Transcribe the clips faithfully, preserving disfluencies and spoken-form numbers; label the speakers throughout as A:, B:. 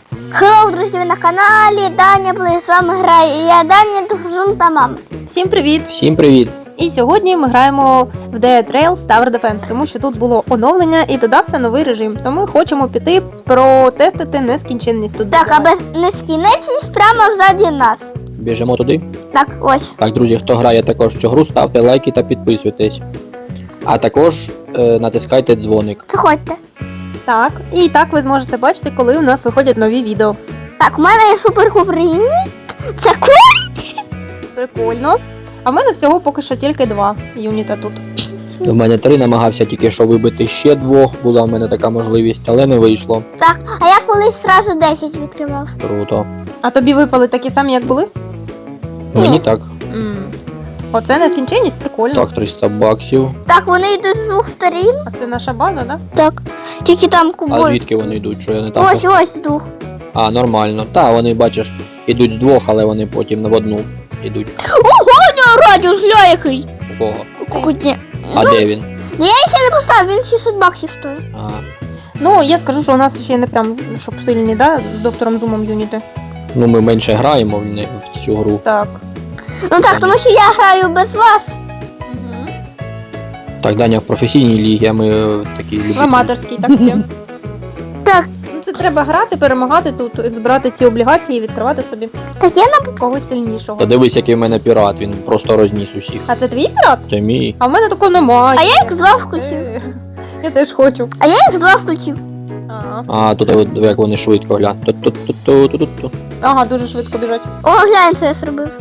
A: Хеллоу, друзі, ви на каналі Даня Плей. З вами грає я, Даня, Тухжун та мама.
B: Всім привіт!
C: Всім привіт!
B: І сьогодні ми граємо в Dead Rails Tower Defense, тому що тут було оновлення і додався новий режим. Тому хочемо піти протестити нескінченність тут.
A: Так, а без нескінченність прямо взаді нас.
C: Біжимо туди.
A: Так, ось.
C: Так, друзі, хто грає також в цю гру, ставте лайки та підписуйтесь. А також е, натискайте дзвоник.
A: Заходьте.
B: Так, і так ви зможете бачити, коли у нас виходять нові відео.
A: Так, у мене є супер-купер юніт. Це кут.
B: Прикольно. А в мене всього поки що тільки два юніта тут.
C: В мене три, намагався тільки що вибити ще двох, була в мене така можливість, але не вийшло.
A: Так, а я колись сразу десять відкривав.
C: Круто.
B: А тобі випали такі самі, як були?
C: Мені
A: Ні.
C: так.
B: м Оце нескінченність, прикольно.
C: Так, триста баксів.
A: Так, вони йдуть з двох сторін.
B: А це наша база, так?
A: Так. Тільки там
C: А
A: кубой.
C: звідки вони йдуть? Що я не так?
A: Ось, ось з двох.
C: А, нормально. Та, вони, бачиш, ідуть з двох, але вони потім в одну йдуть.
A: Ого, у нього радіус, гля який.
C: У кого?
A: Кукутні.
C: А де він?
A: Ну, я ще не поставив, він шістсот баксів стоїть.
C: А,
B: Ну, я скажу, що у нас ще не прям, щоб сильні, да, з доктором Зумом юніти.
C: ну ми менше граємо в, не, в цю гру.
B: Так.
A: Ну так, тому що я граю без вас.
B: Угу.
C: Так, Даня в професійній лігі, а ми е, такі
B: В
C: любителі.
B: аматорській, так всі.
A: Так,
B: Ну, це треба грати, перемагати тут, збирати ці облігації і відкривати собі
A: так я на...
B: когось сильнішого.
C: Та дивись, який в мене пірат, він просто розніс усіх.
B: А це твій пірат?
C: Це мій.
B: А в мене такого немає.
A: А я ікс два включив.
B: Е, Я теж хочу.
A: А я ікс два включив.
B: Ага.
C: А, тут от, як вони швидко глянь. Ту-ту-ту-ту-ту-ту.
B: Ага, дуже швидко біжать.
A: О, глянь, що я зробив.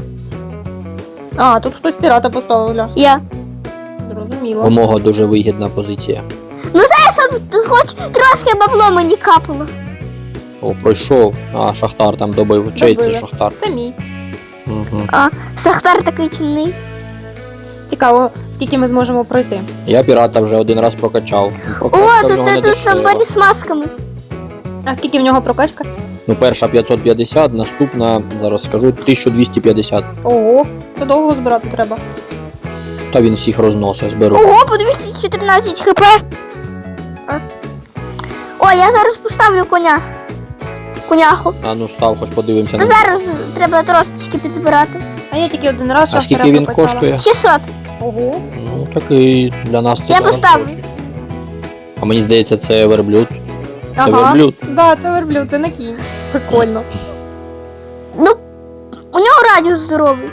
B: А, тут хтось пірата поставив, гля.
A: Я.
B: Зрозуміло.
C: У мого дуже вигідна позиція.
A: Ну знаєш, щоб хоч трошки бабло мені капало.
C: О, пройшов. А, Шахтар там добив. Чей це
B: Добили.
C: Шахтар?
B: Це мій.
C: Угу.
A: А, Сахтар такий чинний.
B: Цікаво, скільки ми зможемо пройти.
C: Я пірата вже один раз прокачав.
A: О,
C: Прокачка в
A: тут,
C: нього не
A: тут, тут
C: дешева.
A: самбарі з масками.
B: А скільки в нього прокачка?
C: Ну, перша п'ятсот п'ятдесят, наступна, зараз скажу, тисяча двісті п'ятдесят.
B: Ого, це довго збирати треба.
C: Та він всіх розносить, зберу.
A: Ого, по двісті чотирнадцять хп. Раз. О, я зараз поставлю коня. Коняху.
C: А ну став, хоч подивимося
A: Та
C: на.
A: зараз треба трошечки підзбирати.
B: А я тільки один раз
C: А
B: шахтаря
C: скільки він
B: прокачала.
C: коштує?
A: шістсот.
B: Ого.
C: Ну, такий для нас це
A: Я
C: зараз
A: поставлю.
C: гроші. А мені здається, це верблюд. Це
B: Ага.
C: верблюд.
B: Да, це верблюд, це не кінь. Прикольно.
A: Ну, у нього радіус здоровий.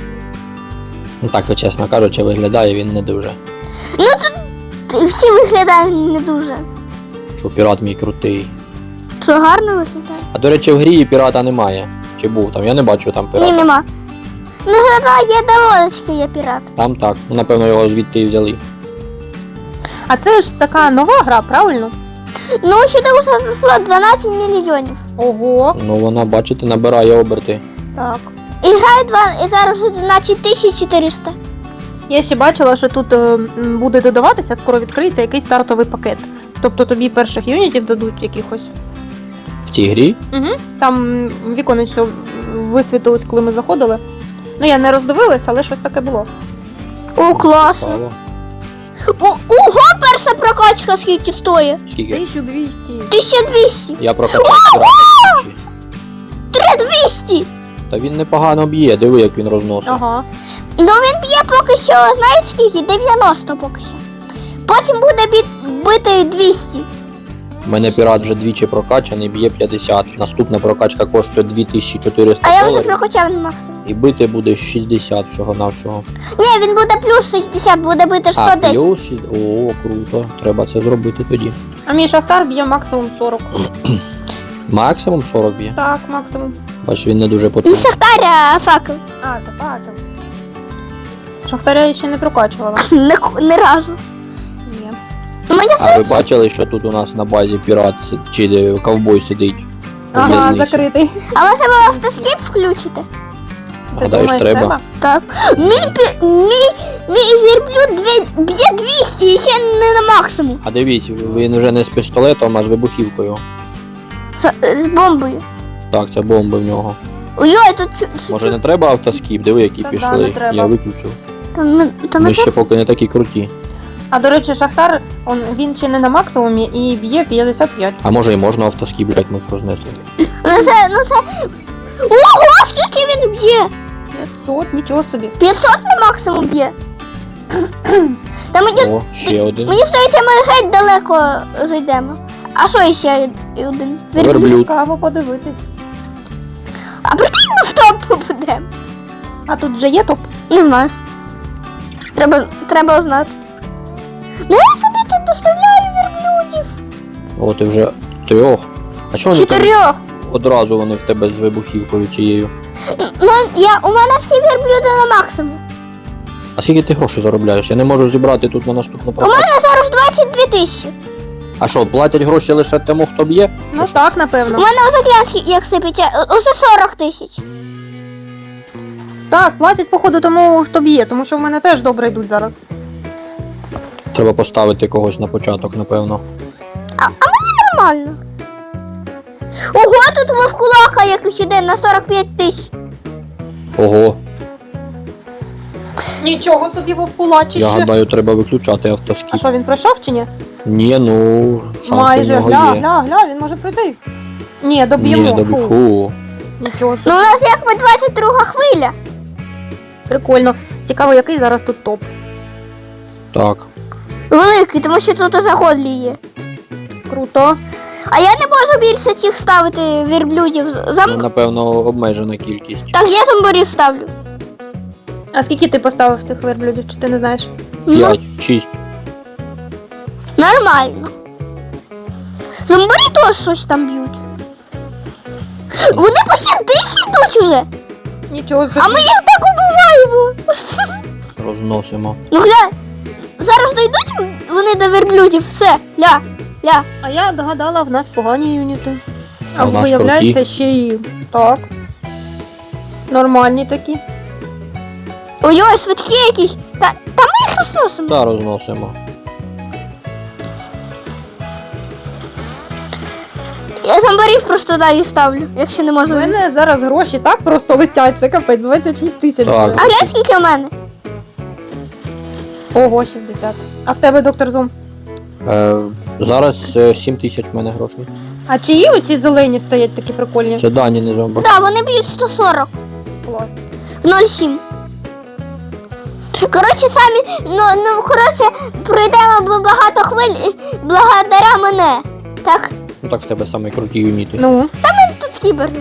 C: Ну так, чесно кажучи, виглядає він не дуже.
A: Ну тут всі виглядають не дуже.
C: Що пірат мій крутий.
A: Що гарно виглядає?
C: А до речі, в грі пірата немає. Чи був там? Я не бачу там пірата.
A: Ні, нема. Ну, зато є доводочки, є пірат.
C: Там так. Ну, напевно, його звідти і взяли.
B: А це ж така нова гра, правильно?
A: Ну, сюди вже зайшло дванадцять мільйонів.
B: Ого.
C: Ну вона, бачите, набирає оберти.
B: Так.
A: І грає два, і зараз значить тисяча чотириста.
B: Я ще бачила, що тут е, м, буде додаватися, скоро відкриється якийсь стартовий пакет. Тобто тобі перших юнітів дадуть якихось.
C: В цій грі.
B: Угу. Там м, віконечко висвітилось, коли ми заходили. Ну, я не роздивилась, але щось таке було.
A: О, класно.
C: Цікаво.
A: О, ого, перша прокачка скільки стоїть?
C: Скільки?
B: тисяча двісті.
A: тисяча двісті.
C: Я прокачав пірата двічі.
A: три двісті.
C: Та він непогано б'є, диви, як він розносить.
B: Ага.
A: Ну, він б'є поки що, знаєте скільки? дев'яносто поки що. Потім буде бі- бити двісті.
C: У мене пірат вже двічі прокачаний, б'є п'ятдесят. Наступна прокачка коштує дві тисячі чотириста
A: А я вже
C: доларів.
A: прокачав на максимум.
C: І бити буде шістдесят всього-навсього.
A: Ні, він буде плюс шістдесят, буде бити сто
C: А,
A: десять.
C: плюс шість- О, круто. Треба це зробити тоді.
B: А мій шахтар б'є максимум сорок.
C: Максимум сорок б'є.
B: Так, максимум.
C: Бач, він не дуже
A: Не
C: потужний.
A: Шахтар, а факел.
B: А, це факел. Шахтаря я ще не прокачувала.
A: Не, не разу.
B: Ні.
A: Мені
C: А ви
A: здається,
C: бачили, що тут у нас на базі пірат си- чи де ковбой сидить? у
B: Ага,
C: в'язниці?
B: закритий.
A: а ви себе автоскіп включите?
B: Ти
C: Гадаєш,
B: думаєш,
C: треба?
A: Так. Мій, пі- мій, мій вірблюд дві- б'є двісті і ще не на максимум.
C: А дивіться, він вже не з пістолетом, а з вибухівкою.
A: З, з бомбою.
C: Так, це бомби в нього.
A: Ой, тут... чу- чу-
C: Може не треба автоскіп? Диви, які
B: Та да,
C: пішли.
B: не треба.
C: Я виключив.
A: Там, ми- там
C: Ми
A: ми
C: ще поки не такі круті.
B: А до речі, Шахтар, он, він ще не на максимумі і б'є п'ятдесят п'ять.
C: А може і можна автоскіп, блять, ми їх рознесли.
A: Ну це, ну це. Ого, скільки він б'є?
B: п'ятсот, нічого собі.
A: п'ятсот на максимум б'є. Та мені,
C: О, ще один.
A: мені здається, ми геть далеко зайдемо. А що ще один?
C: Верблюд.
B: Цікаво подивитись.
A: А прикинь, ми в топ попадемо.
B: А тут вже є топ.
A: Не знаю. Треба, треба узнати. Ну я собі тут доставляю верблюдів.
C: О, ти вже трьох. А чого вони там
A: Чотирьох.
C: одразу вони в тебе з вибухівкою цією?
A: Ну, я, у мене всі верблюди на максимум.
C: А скільки ти грошей заробляєш? Я не можу зібрати тут на наступну
A: У
C: прокачку.
A: мене зараз двадцять дві тисячі.
C: А що, платять гроші лише тому, хто б'є?
B: Ну так, напевно.
A: У мене ось як, як сипеться, усе сорок тисяч.
B: Так, платять, походу, тому, хто б'є, тому що в мене теж добре йдуть зараз.
C: Треба поставити когось на початок, напевно.
A: А, а мені нормально. Ого, тут вовкулака якийсь іде на сорок п'ять тисяч.
C: Ого,
B: Нічого собі вовкулачище.
C: я гадаю, треба виключати
B: А
C: автоскіп.
B: що, він пройшов чи ні?
C: Ні, ну, шанси в
B: Майже,
C: нього
B: гля,
C: є.
B: гля, гля, він може пройти. Ні, доб'ємо.
C: Ні, добі,
B: Фу.
C: фу.
B: Нічого
A: Ну
B: собі.
A: у нас якби двадцять друга хвиля.
B: Прикольно. Цікаво, який зараз тут топ.
C: Так.
A: Великий, тому що тут уже годлі є.
B: Круто.
A: А я не можу більше цих ставити верблюдів. Зам...
C: Ну, напевно, обмежена кількість.
A: Так, я зомбарів ставлю.
B: А скільки ти поставив цих верблюдів, чи ти не знаєш?
A: Ну,
C: П'ять, шість.
A: нормально. Зомбарі теж щось там б'ють. Вони по сімдесят йдуть уже.
B: Нічого собі.
A: А ми їх так убиваємо.
C: Розносимо.
A: Ну глянь, зараз дійдуть вони до верблюдів. Все, ля, ля.
B: А я догадала, в нас погані юніти. А,
C: А в нас
B: виявляється,
C: круті.
B: ще й так. Нормальні такі.
A: Ой-ой, швидкі якісь. Та, та ми їх розносимо.
C: Та розносимо.
A: Я зомбарів просто даю ставлю, якщо не
B: У
A: можу.
B: мене зараз гроші так просто летять, це капець, двадцять шість тисяч.
C: Так.
A: А глянь, скільки у мене?
B: Ого, шістдесят. А в тебе, доктор Зум?
C: Е, зараз е, сім тисяч в мене грошей.
B: А чиї оці зелені стоять такі прикольні?
C: Це дані не зомби.
A: Так, да, вони б'ють сто сорок.
B: Клас.
A: ноль сім. Коротше, самі, ну, ну, коротше, пройдемо б- багато хвиль і благодаря мене. Так,
C: Ну так в тебе саме круті юніти.
B: Ну,
A: тут кіберги.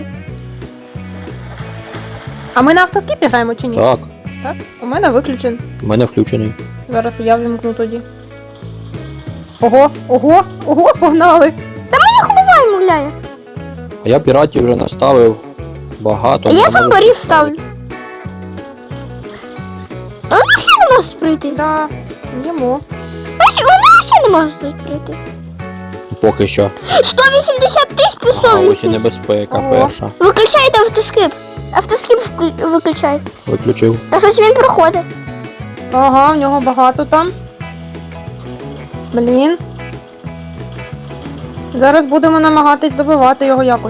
B: а ми на автоскіпі граємо чи ні?
C: Так,
B: Так? У мене виключен.
C: в мене включений.
B: Зараз я вимкну тоді. Ого, ого, ого, погнали.
A: Їх убиваємо, гуляє.
C: А я піратів вже наставив багато.
A: А я
C: не можу
A: зомбарів
C: всіх ставити.
A: ставлю. Вони взагалі не можуть пройти.
B: Да, їмо.
A: Бачиш, вони взагалі не можуть тут пройти.
C: Поки що.
A: сто вісімдесят тисяч
C: А
A: пісов.
C: ось і небезпека
B: Ого.
C: перша.
A: Виключайте автоскип. Автоскип вклю- виключай.
C: Виключив.
A: Та щось він проходить.
B: Ага, в нього багато там. Блін. Зараз будемо намагатись добивати його якось.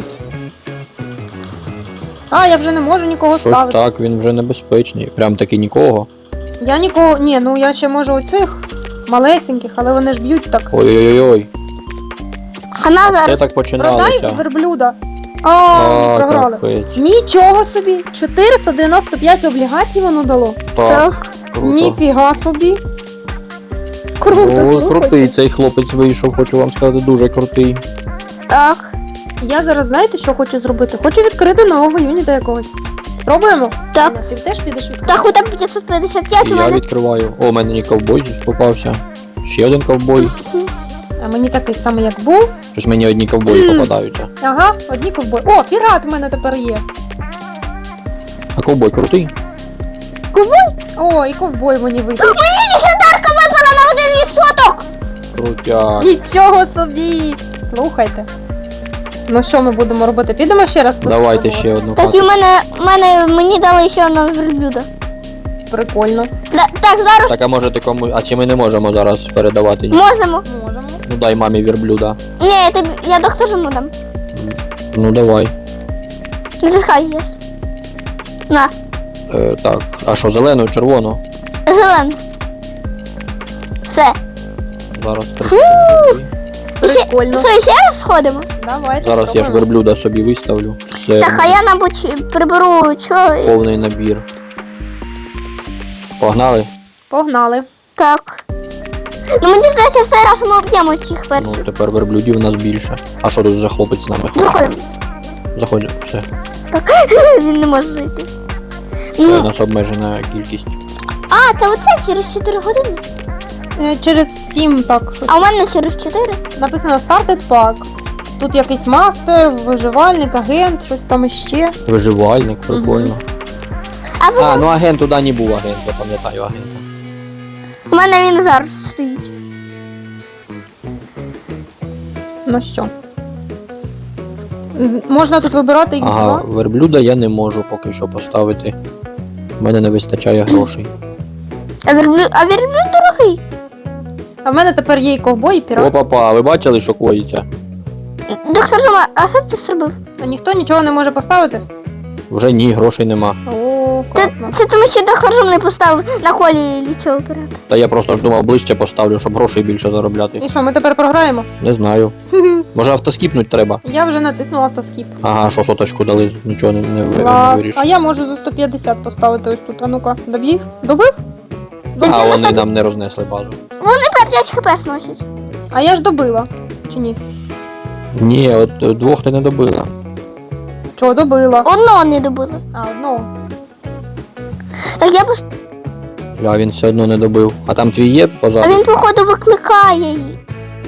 B: А, я вже не можу нікого
C: Щось
B: ставити.
C: так, він вже небезпечний. Прям таки нікого.
B: Я нікого. Ні, ну я ще можу оцих малесеньких, але вони ж б'ють так.
C: Ой-ой-ой.
A: Хана
C: Все
A: зараз.
C: так
B: Продай
C: починалося.
B: верблюда. А,
C: А,
B: програли.
C: капець.
B: Нічого собі! чотириста дев'яносто п'ять облігацій воно дало.
C: Так,
A: Так.
C: круто.
B: Ніфіга собі. Круто,
C: Ой,
B: слухайте.
C: крутий цей хлопець вийшов, хочу вам сказати, дуже крутий.
A: Так.
B: Я зараз знаєте, що хочу зробити? Хочу відкрити нового юніта якогось. Спробуємо?
A: Так.
B: Аня, ти теж підеш відкрити?
A: Так, у тебе п'ятсот п'ятдесят п'ять у
C: Я
A: мене.
C: відкриваю. О, у мене не ковбой попався. Ще один ковбой.
B: А мені такий самий, як був.
C: Щось мені одні ковбої попадаються.
B: Ага, одні ковбої. О, пірат в мене тепер є.
C: А ковбой крутий?
B: О, і ковбой мені вийшов.
A: Мені легендарка випала на один відсоток.
C: Крутяк.
B: Нічого собі! Слухайте. Ну що ми будемо робити? Підемо ще раз?
C: Давайте
B: спробувати?
C: ще одну
A: Так, і
C: карту.
A: мене, мене, мені дали ще одного верблюда.
B: Прикольно.
A: Та- Так, зараз
C: Так, а може ти кому. А чи ми не можемо зараз передавати? ні?
A: можемо.
B: Можемо.
C: Ну дай мамі вірблюда.
A: Ні, я, тобі, я доктору дам.
C: Ну давай.
A: Натискай єс. На,
C: Е, так, а що, зелену, червону?
A: зелену. Все.
C: Зараз
A: Фу! І ще-
B: Прикольно.
A: Що, ще раз сходимо?
B: Давайте.
C: Зараз я ж
B: спробуємо.
C: верблюда собі виставлю. Все,
A: Так, а я, мабуть, приберу чого. і-
C: повний набір. Погнали?
B: Погнали.
A: Так. Ну мені здається, в цей раз ми об'ємо цих
C: Ну,
A: перших.
C: тепер верблюдів у нас більше. А що тут за хлопець з нами ходить?
A: Заходимо.
C: Заходь, все.
A: Він не може зайти.
C: Все, у
A: Ну,
C: нас обмежена кількість.
A: а, це оце через чотири години.
B: Е, Через сім так. Щось.
A: А у мене через чотири.
B: Написано Started Pack. Тут якийсь мастер, виживальник, агент, щось там іще.
C: Виживальник, прикольно.
A: А ви...
C: А, ну агент туди не був агент, я пам'ятаю агента.
A: у мене він зараз стоїть.
B: Ну що? М, Можна тут вибирати їх
C: Ага,
B: два.
C: верблюда я не можу поки що поставити. У мене не вистачає грошей.
A: А верблюд, а верблюд дорогий.
B: А в мене тепер є і ковбой, і пірат.
C: Опа-па, а ви бачили, що коїться?
A: Доктор Жома, а що ти зробив?
B: А ніхто нічого не може поставити?
C: Вже ні, грошей нема.
B: О,
A: Це,
B: класно.
A: це тому, що доктор Жом не поставив на колі лічого оператора.
C: Та я просто ж думав ближче поставлю, щоб грошей більше заробляти.
B: І що, ми тепер програємо?
C: Не знаю. Може автоскіпнуть треба?
B: Я вже натиснула автоскіп.
C: Ага, що соточку дали, нічого не, не, ви- не
B: Клас.
C: вирішив.
B: А я можу за сто п'ятдесят поставити ось тут. А ну-ка, добіг? Добив?
C: А вони нам не рознесли базу.
A: Вони по п'ять хп сносять.
B: А я ж добила. Чи ні?
C: Ні, от е, двох ти не добила.
B: Чого добила?
A: Одного не добили.
B: А, одного.
A: Так я пос...
C: Ля, він все одно не добив. А там твій є
A: А
C: позаду?
A: він, походу, викликає її.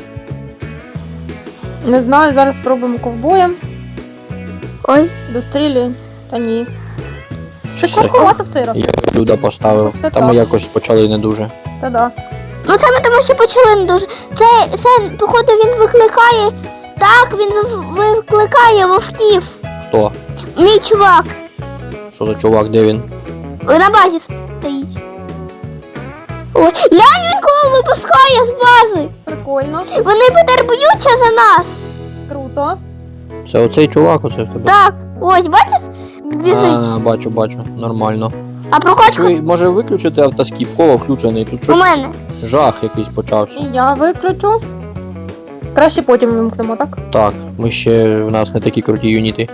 B: Не знаю, зараз спробуємо ковбоєм.
A: Ой.
B: Дострілюй. Та ні. Щось
C: Все.
B: важкувато в цей раз.
C: Я верблюда поставив.
B: Та
C: Та ми
B: так.
C: якось почали не дуже.
B: Та да.
A: Ну це ми тому, що почали не дуже. Це, це, походу, він викликає. Так, він ви- викликає вовків.
C: Хто?
A: Мій чувак.
C: Що за чувак, де він?
A: На базі стоїть. Ой, глянь, він кого випускає з бази.
B: Прикольно.
A: Вони тепер б'ються за нас.
B: Круто.
C: Це оцей чувак, оце в тебе?
A: Так, ось, бачиш? Біжить.
C: А, бачу, бачу, нормально.
A: А прокачка
C: Ви може виключити автоскіп, в кого включений? Тут
A: у
C: щось
A: мене.
C: жах якийсь почався.
B: І я виключу. Краще потім вимкнемо, так?
C: Так, ми ще в нас не такі круті юніти.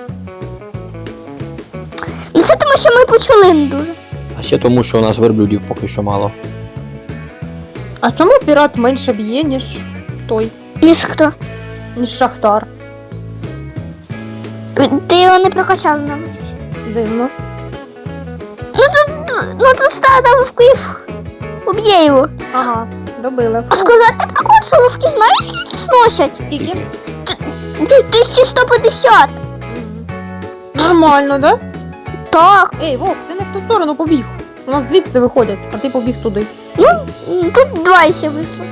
A: Ну це тому, що ми почали не дуже.
C: А ще тому, що у нас верблюдів поки що мало.
B: А чому пірат менше б'є, ніж той,
A: Ніж хто?
B: ніж шахтар?
A: Ти його не прокачав нам.
B: Дивно.
A: Ну тут стадо вовків. Уб'є його.
B: Ага, добили.
A: А сказати, а коли вовки знаєш, скільки сносять?
B: Скільки?
A: тисяча сто п'ятдесят.
B: Нормально, да?
A: Так.
B: Ей, Вов, ти не в ту сторону побіг. У нас звідси виходять, а ти побіг туди.
A: Ну, м, тут два ще вийшло.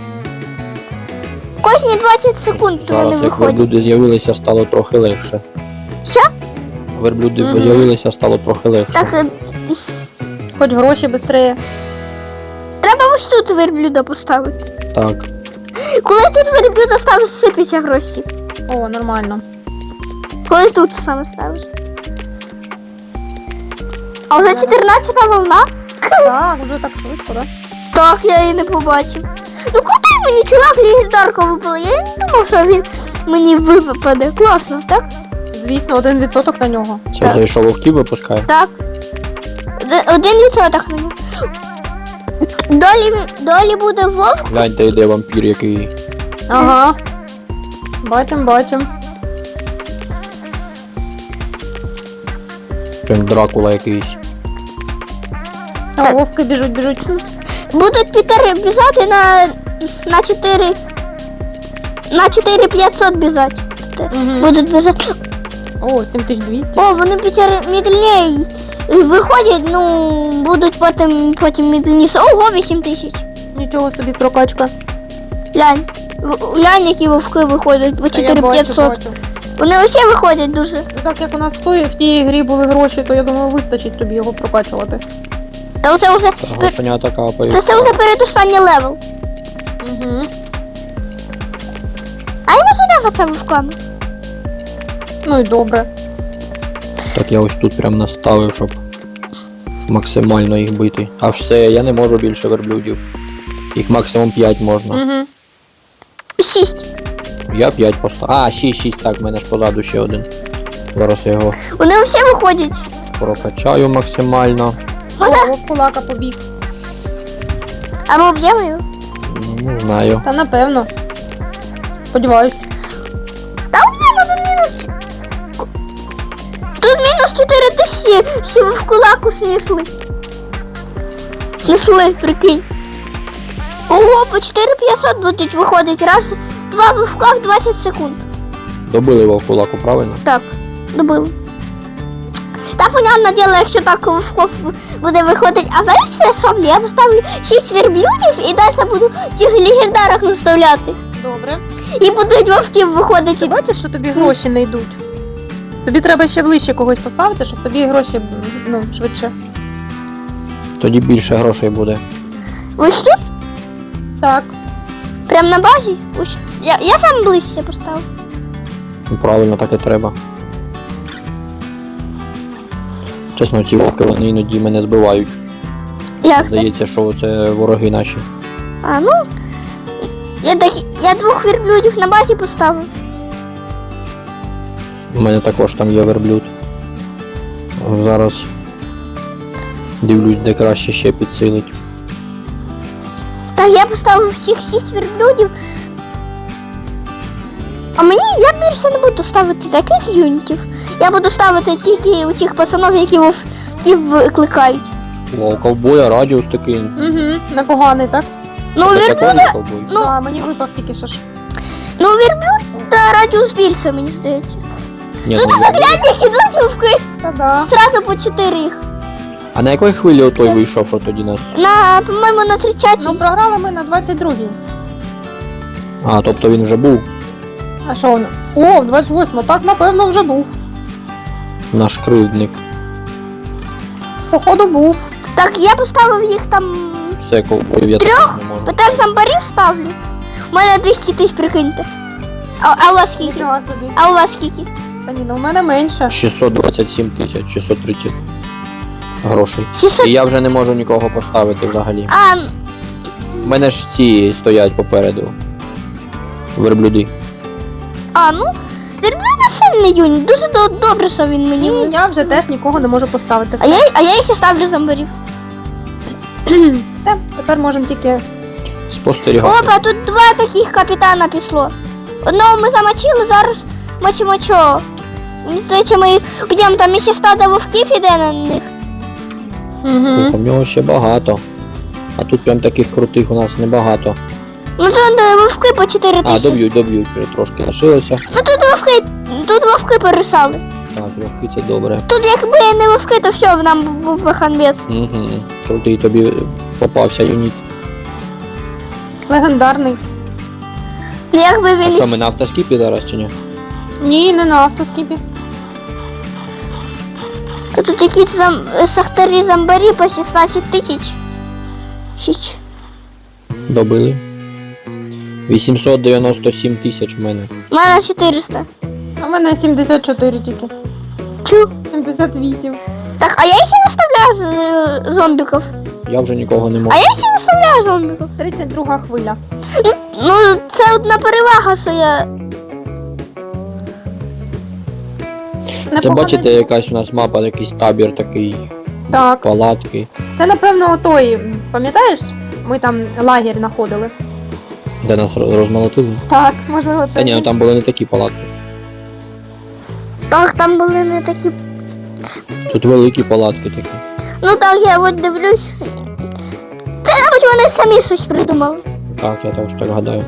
A: Кожні двадцять секунд вони
C: Зараз, як
A: виходять.
C: верблюди з'явилися, стало трохи легше.
A: Що?
C: Верблюди
B: Мгм.
C: з'явилися, стало трохи легше.
A: Так, е,
B: Хоч гроші швидше.
A: треба ось тут верблюда поставити.
C: Так.
A: Коли тут верблюда ставиш, сипляться гроші.
B: О, нормально.
A: Коли тут саме ставиш. А вже чотирнадцята волна?
B: Так, вже так швидко, да?
A: Так, я її не побачив. Ну куди мені чувак легендарка випала? Я не думав, що він мені випаде. Класно, так?
B: Звісно, один відсоток на нього.
C: Це
A: Так.
C: той, що вовків випускає?
A: Так. Д- Один відсоток на нього. Долі, долі буде вовк.
C: Гляньте, йде вампір, який.
B: Ага. Бачим, бачим.
C: Прям Дракула якийсь.
B: А вовки біжуть, біжуть.
A: Будуть Пітери біжати на, на чотири. На чотири п'ятсот біжати.
B: Мгм.
A: Будуть біжати.
B: О, сім тисяч двісті.
A: О, вони Пітери медленнее виходять, ну, будуть потім, потім медленніше. Ого, вісім тисяч.
B: Нічого собі прокачка.
A: Глянь. В- Глянь, які вовки виходять по
B: Та я
A: чотири
B: бачу,
A: п'ятсот.
B: бачу.
A: Вони усі виходять дуже.
B: Ну, так як у нас в, той, в тій грі були гроші, то я думаю, вистачить тобі його прокачувати.
A: Та оце вже.
C: Та грошенята капають.
A: Це, це вже передостанній левел.
B: Угу.
A: А я можу леватися вовками.
B: Ну і добре.
C: Так я ось тут прям наставив, щоб максимально їх бити. А все, я не можу більше верблюдів. Їх максимум п'ять можна.
B: Угу.
A: шість.
C: Я п'ять поставив. А, шість, шість, так, в мене ж позаду ще один. Зараз я його
A: Вони всі виходять.
C: прокачаю максимально.
A: Можна?
B: О, кулака побіг.
A: А ми об'ємо його?
C: Не знаю.
B: Та напевно. Сподіваюсь.
A: Та об'ємо, тут мінус. Тут мінус чотири тисячі, що ви в кулаку снесли. Снесли, прикинь. Ого, по чотири п'ятсот будуть виходити. Раз, два вивка в двадцять секунд.
C: Добили його в кулаку, правильно?
A: Так, добив. Та понятне діло, якщо так вовков буде виходити. А знаєте, що роблю? Я поставлю шість верблюдів і далі буду цих легендарах наставляти.
B: Добре.
A: І будуть вовків
B: Ти
A: виходити.
B: бачиш, що тобі гроші не йдуть? Тобі треба ще ближче когось поставити, щоб тобі гроші ну, швидше.
C: Тоді більше грошей буде.
A: Ось тут?
B: Так.
A: Прям на базі? Ось. Я, я сам ближче поставив.
C: Ну, правильно, так і треба. Чесно, ці вовки, вони іноді мене збивають.
A: Як це?
C: Здається, що це вороги наші.
A: А, ну. Я, так, я двох верблюдів на базі поставив.
C: У мене також там є верблюд. Зараз дивлюсь, де краще ще підсилить.
A: Так, я поставив всіх шість верблюдів. А мені я більше не буду ставити таких юнітів. Я буду ставити тільки у тих пацанів, які вовків викликають.
C: О, у ковбоя радіус такий.
B: Угу. Непоганий, так?
A: Ну,
C: Це
A: верблюд,
C: також не ковбой.
A: Ну.
B: А, мені випав тільки що ж.
A: ну верблюд та радіус більше, мені здається.
C: Ні,
A: Тут
C: ну, я-
A: заглянь, як ідуть вовки.
B: Та-да.
A: Зразу по чотири їх.
C: А на якої хвилі той вийшов, що тоді нас?
A: На, по-моєму, на тридцятій.
B: Ну, програли ми на двадцять другій.
C: А, тобто він вже був
B: А що воно? О, двадцять восьма, так, напевно, вже був.
C: наш кривдник.
B: Походу був.
A: Так, я поставив їх там.
C: Все, ковбоїв я
A: Трьох?
C: також не можу.
A: Петер Самбарів ставлю. У мене двісті тисяч, прикиньте. А, а у вас скільки?
B: Нічого собі.
A: А у вас скільки?
B: Та ні, ну в мене менше.
C: шістсот двадцять сім тисяч, шістсот тридцять грошей.
A: шістсот.
C: І я вже не можу нікого поставити взагалі.
A: А,
C: У мене ж ці стоять попереду. Верблюди.
A: а, ну, верблюда сильний юніт. Дуже до- добре, що він мені.
B: І
A: ви-
B: я вже теж нікого не можу поставити.
A: А я, а я ще ставлю зомбарів.
B: Все, тепер можемо тільки.
C: Спостерігати.
A: Опа, тут два таких капітана пішло. Одного ми замочили, зараз мочимо чого. Мені здається, ми підемо, там ще стадо вовків іде на них.
B: Угу.
C: У нього ще багато. А тут прям таких крутих у нас небагато.
A: Ну тут е, вовки по чотири
C: А,
A: тисячі.
C: доб'ють, доб'ють, трошки лишилося.
A: Ну тут вовки, тут вовки порисали.
C: Так, вовки це добре.
A: Тут якби не вовки, то все, нам був би ханбець.
C: Угу. Крутий тобі попався юніт.
B: Легендарний.
A: Ну якби
C: А
A: він.
C: що, ми на автоскіпі зараз чи ні?
B: Ні, не на автоскіпі.
A: Тут якісь зам... сахтарі зомбарі по шістнадцять тисяч. Шіч.
C: Добили. вісімсот дев'яносто сім тисяч в мене.
A: У мене чотириста.
B: А в мене сімдесят чотири тільки.
A: Чу.
B: сімдесят вісім.
A: Так, а я ще наставляю з- зомбіків.
C: Я вже нікого не
A: А
C: можу.
A: я ще наставляю зомбіків.
B: тридцять друга хвиля.
A: Ну, це одна перевага, що я.
C: Це
B: Непогано.
C: бачите, якась у нас мапа, якийсь табір такий,
B: Так.
C: палатки.
B: Це, напевно, той, пам'ятаєш? Ми там лагерь знаходили.
C: Де нас роз- розмолотили?
B: Так, можливо, це.
C: Та ні, ну там були не такі палатки.
A: Так, там були не такі.
C: Тут великі палатки такі.
A: Ну так, я от дивлюсь. Це, мабуть, вони самі щось придумали.
C: Так, я також так гадаю.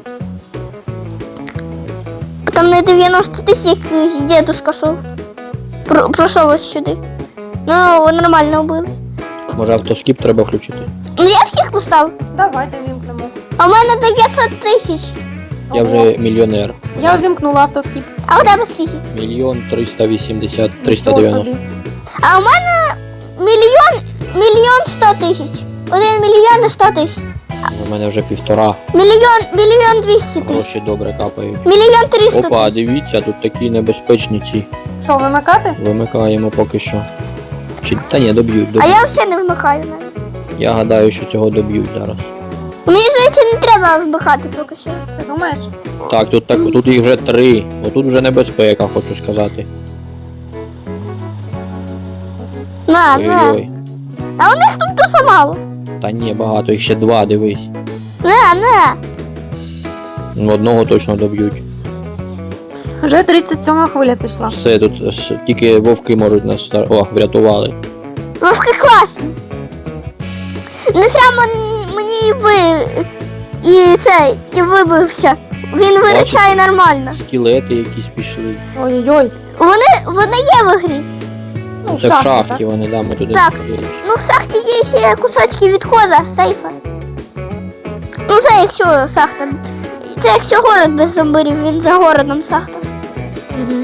A: Там не дев'яносто тисяч, як дідусь шов. Про, пройшов ось сюди. Ну, нормально вбили.
C: Може автоскіп треба включити?
A: Ну я всіх поставив.
B: Давайте вімкнемо.
A: А в мене дев'ятсот тисяч.
C: Я
B: Ого.
C: вже мільйонер.
B: Я ввімкнула автоскіп.
A: А у тебе скільки?
C: Мільйон триста вісімдесят, триста дев'яносто.
A: А у мене мільйон, мільйон сто тисяч. Один мільйон і сто тисяч.
C: У мене вже півтора.
A: Мільйон, мільйон двісті тисяч.
C: Гроші добре капають.
A: Мільйон триста
C: Опа,
A: тисяч.
C: дивіться, тут такі небезпечні ці.
B: Що, вимикати?
C: Вимикаємо поки що. Чи та ні, доб'ють,
A: А
C: доб'ють.
A: я все не вмикаю навіть.
C: Я гадаю, що цього доб'ють зараз.
A: Мені здається, не треба вбихати поки що.
B: Ти думаєш?
C: Так, тут так, тут їх вже три. Отут вже небезпека, хочу сказати.
A: На, на.
C: Ой-ой.
A: А у них тут дуже мало.
C: Та ні, багато, їх ще два, дивись.
A: На, на.
C: Ну, одного точно доб'ють.
B: Вже тридцять сьома хвиля пішла.
C: Все, тут с- тільки вовки можуть нас стар- О, врятували.
A: Вовки класні. Не сам мені і ви. І це, і вибився. Він вирішає нормально.
C: Скелети якісь пішли.
B: Ой-ой-ой.
A: Вони, вони є в грі.
B: Ну,
C: Це в
B: шахті,
C: шахті вони, да, ми туди
A: Так.
C: не ходили.
A: Ну, в шахті є ще кусочки відходу, сейфа. Ну, це якщо шахта. Це якщо город без зомбирів, він за городом шахта.
B: Мгм.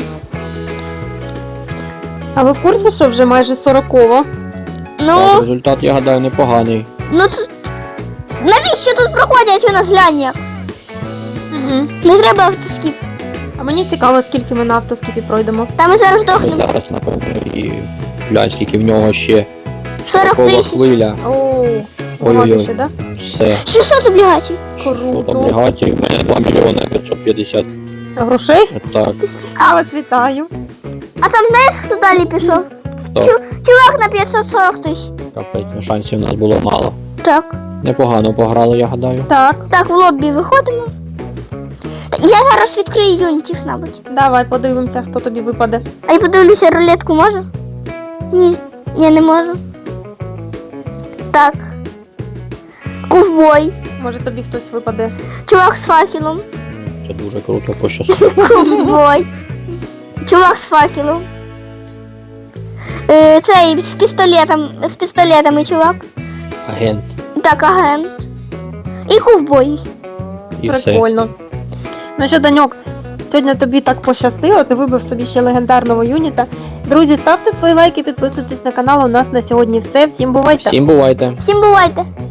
B: А ви в курсі, що вже майже сорокова?
A: Ну,
C: Так, результат, я гадаю, непоганий.
A: ну тут. Навіщо тут проходять у нас глянь як?
B: Угу.
A: Не треба автоскіп.
B: А мені цікаво, скільки ми на автоскіпі пройдемо.
A: Там ми зараз
C: Ми
A: дохнемо.
C: зараз, напевно, і глянь, скільки в нього ще
A: сорок
C: такова
A: тисяч.
C: хвиля.
B: О, багато
C: Ой-ой-ой.
B: ще, да?
C: Все.
A: шістсот облігацій.
C: шістсот
B: Круто.
C: облігацій, в мене два мільйони п'ятсот п'ятдесят.
B: Грошей?
C: Так,
B: А вас вітаю.
A: А там знаєш, хто далі пішов?
C: хто?
A: Чу- чувак на п'ятсот сорок тисяч.
C: Капець, ну шансів у нас було мало.
A: Так.
C: Непогано пограли, я гадаю.
B: Так,
A: Так, в лобі виходимо. Так, я зараз відкрию юнітів, мабуть.
B: давай подивимося, хто тобі випаде.
A: А я подивлюся, рулетку можу? Ні, я не можу. Так. Ковбой.
B: Може тобі хтось випаде.
A: Чувак з факелом.
C: Це дуже круто пощастило.
A: Ковбой. Чувак з факелом. Е, цей з пістолетом, з пістолетами чувак.
C: Агент.
A: Так, агент. І ковбой.
C: І все.
B: Прикольно. Ну що, Даньок, сьогодні тобі так пощастило, ти вибив собі ще легендарного юніта. Друзі, ставте свої лайки, підписуйтесь на канал. У нас на сьогодні все. Всім бувайте!
C: Всім бувайте.
A: Всім бувайте.